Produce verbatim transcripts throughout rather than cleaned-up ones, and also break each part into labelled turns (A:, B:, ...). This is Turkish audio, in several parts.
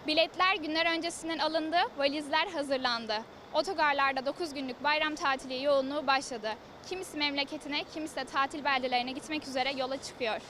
A: Biletler günler öncesinden alındı, valizler hazırlandı. Otogarlarda dokuz günlük bayram tatili yoğunluğu başladı. Kimisi memleketine, kimisi de tatil beldelerine gitmek üzere yola çıkıyor.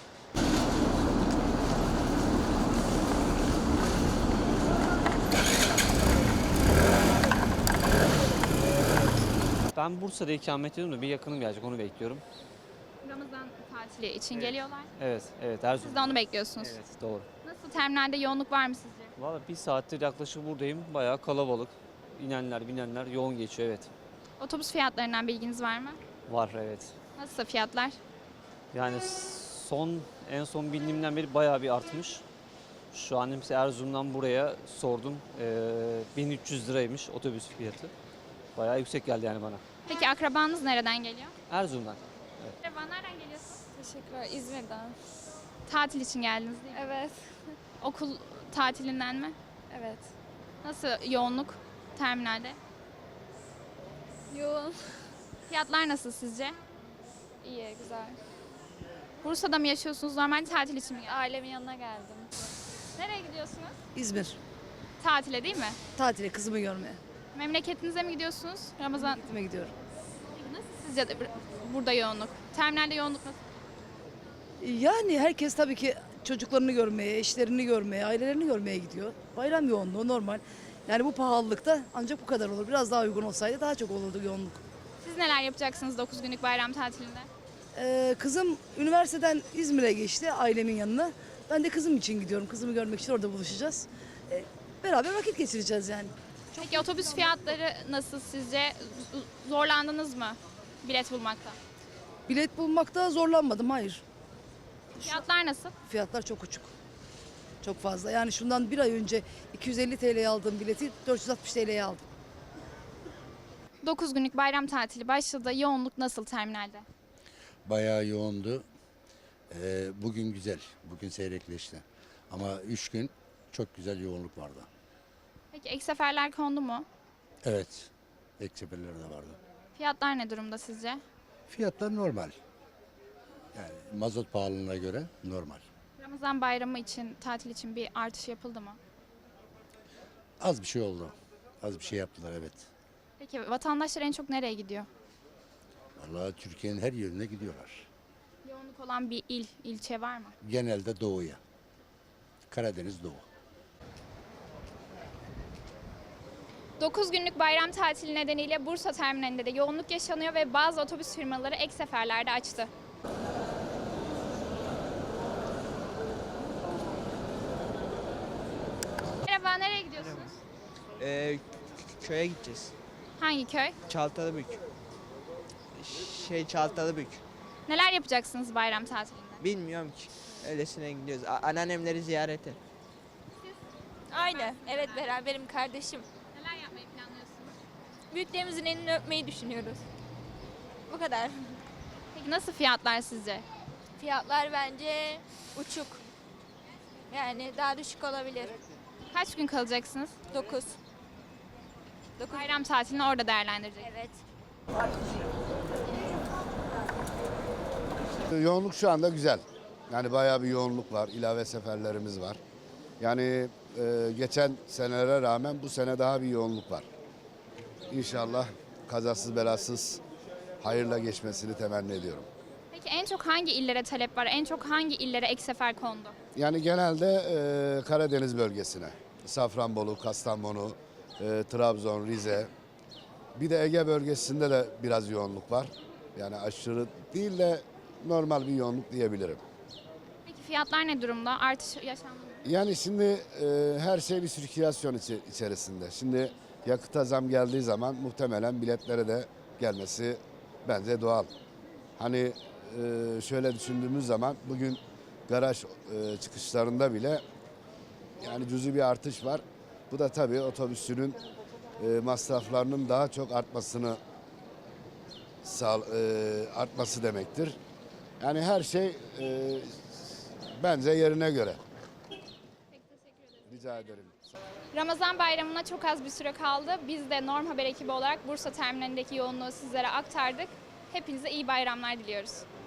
B: Ben Bursa'da ikamet ediyorum da bir yakınım gelecek, onu bekliyorum.
A: Ramazan tatili için geliyorlar.
B: Evet, evet. Her
A: Siz de onu bekliyorsunuz.
B: Evet, doğru.
A: Nasıl, terminalde yoğunluk var mı sizce?
B: Valla bir saattir yaklaşık buradayım. Bayağı kalabalık. İnenler, binenler yoğun geçiyor, evet.
A: Otobüs fiyatlarından bilginiz var mı?
B: Var, evet.
A: Nasıl fiyatlar?
B: Yani son, en son bildiğimden beri bayağı bir artmış. Şu an mesela Erzurum'dan buraya sordum. Ee, bin üç yüz liraymış otobüs fiyatı. Bayağı yüksek geldi yani bana.
A: Peki akrabanız nereden geliyor?
B: Erzurum'dan.
A: Merhaba, nereden geliyorsunuz?
C: Teşekkürler. İzmir'den.
A: Tatil için geldiniz değil mi?
C: Evet.
A: Okul tatilinden mi?
C: Evet.
A: Nasıl yoğunluk terminalde?
C: Yoğun.
A: Fiyatlar nasıl sizce?
C: İyi, güzel.
A: Bursa'da mı yaşıyorsunuz? Normal tatil için mi geldiniz?
C: Ailemin yanına geldim.
A: Nereye gidiyorsunuz?
D: İzmir.
A: Tatile değil mi?
D: Tatile kızımı görmeye.
A: Memleketinize mi gidiyorsunuz? Ramazan.
D: Gitmeye gidiyorum.
A: Nasıl sizce de burada yoğunluk? Terminalde yoğunluk nasıl?
D: Yani herkes tabii ki çocuklarını görmeye, eşlerini görmeye, ailelerini görmeye gidiyor. Bayram yoğunluğu normal. Yani bu pahalılıkta ancak bu kadar olur. Biraz daha uygun olsaydı daha çok olurdu yoğunluk.
A: Siz neler yapacaksınız dokuz günlük bayram tatilinde?
D: Ee, kızım üniversiteden İzmir'e geçti ailemin yanına. Ben de kızım için gidiyorum. Kızımı görmek için orada buluşacağız. Ee, beraber vakit geçireceğiz yani.
A: Peki otobüs fiyatları nasıl sizce? Z- Zorlandınız mı bilet bulmakta?
D: Bilet bulmakta zorlanmadım, hayır.
A: Fiyatlar nasıl?
D: Fiyatlar çok uçuk. Çok fazla. Yani şundan bir ay önce iki yüz elli TL'ye aldığım bileti dört yüz altmış TL'ye aldım.
A: dokuz günlük bayram tatili başladı. Yoğunluk nasıl terminalde?
E: Bayağı yoğundu. Ee, bugün güzel, bugün seyrekleşti. Ama üç gün çok güzel yoğunluk vardı.
A: Peki ek seferler kondu mu?
E: Evet, ek seferler de vardı.
A: Fiyatlar ne durumda sizce?
E: Fiyatlar normal. Yani mazot pahalılığına göre normal.
A: Ramazan bayramı için, tatil için bir artış yapıldı mı?
E: Az bir şey oldu. Az bir şey yaptılar, evet.
A: Peki vatandaşlar en çok nereye gidiyor?
E: Vallahi Türkiye'nin her yerine gidiyorlar.
A: Yoğunluk olan bir il, ilçe var mı?
E: Genelde doğuya. Karadeniz Doğu.
A: dokuz günlük bayram tatili nedeniyle Bursa terminalinde de yoğunluk yaşanıyor ve bazı otobüs firmaları ek seferlerde açtı. Merhaba, nereye gidiyorsunuz?
F: Ee, köye gideceğiz.
A: Hangi köy?
F: Çaltalıbük. Şey Çaltalıbük.
A: Neler yapacaksınız bayram tatilinde?
F: Bilmiyorum ki. Öylesine gidiyoruz. A- anneannemleri ziyarete.
G: Aynı. Evet, beraberim kardeşim.
A: Neler yapmayı planlıyorsunuz?
G: Büyüklerimizin elini öpmeyi düşünüyoruz. Bu kadar.
A: Peki nasıl fiyatlar sizce?
G: Fiyatlar bence uçuk. Yani daha düşük olabilir.
A: Kaç gün kalacaksınız?
G: dokuz. dokuz.
A: Bayram tatilini orada değerlendireceksiniz.
G: Evet.
H: Yoğunluk şu anda güzel. Yani bayağı bir yoğunluk var. İlave seferlerimiz var. Yani e, geçen senelere rağmen bu sene daha bir yoğunluk var. İnşallah kazasız belasız hayırla geçmesini temenni ediyorum.
A: Peki en çok hangi illere talep var? En çok hangi illere ek sefer kondu?
H: Yani genelde e, Karadeniz bölgesine. Safranbolu, Kastamonu, e, Trabzon, Rize. Bir de Ege bölgesinde de biraz yoğunluk var. Yani aşırı değil de normal bir yoğunluk diyebilirim.
A: Peki fiyatlar ne durumda? Artış yaşandı mı?
H: Yani şimdi e, her şey bir sirkülasyon içi- içerisinde. Şimdi yakıta zam geldiği zaman muhtemelen biletlere de gelmesi bence doğal. Hani e, şöyle düşündüğümüz zaman bugün garaj e, çıkışlarında bile yani cüzi bir artış var. Bu da tabii otobüsünün e, masraflarının daha çok artmasını sağ, e, artması demektir. Yani her şey e, bence yerine göre. Rica ederim.
A: Ramazan bayramına çok az bir süre kaldı. Biz de Norm Haber ekibi olarak Bursa terminalindeki yoğunluğu sizlere aktardık. Hepinize iyi bayramlar diliyoruz.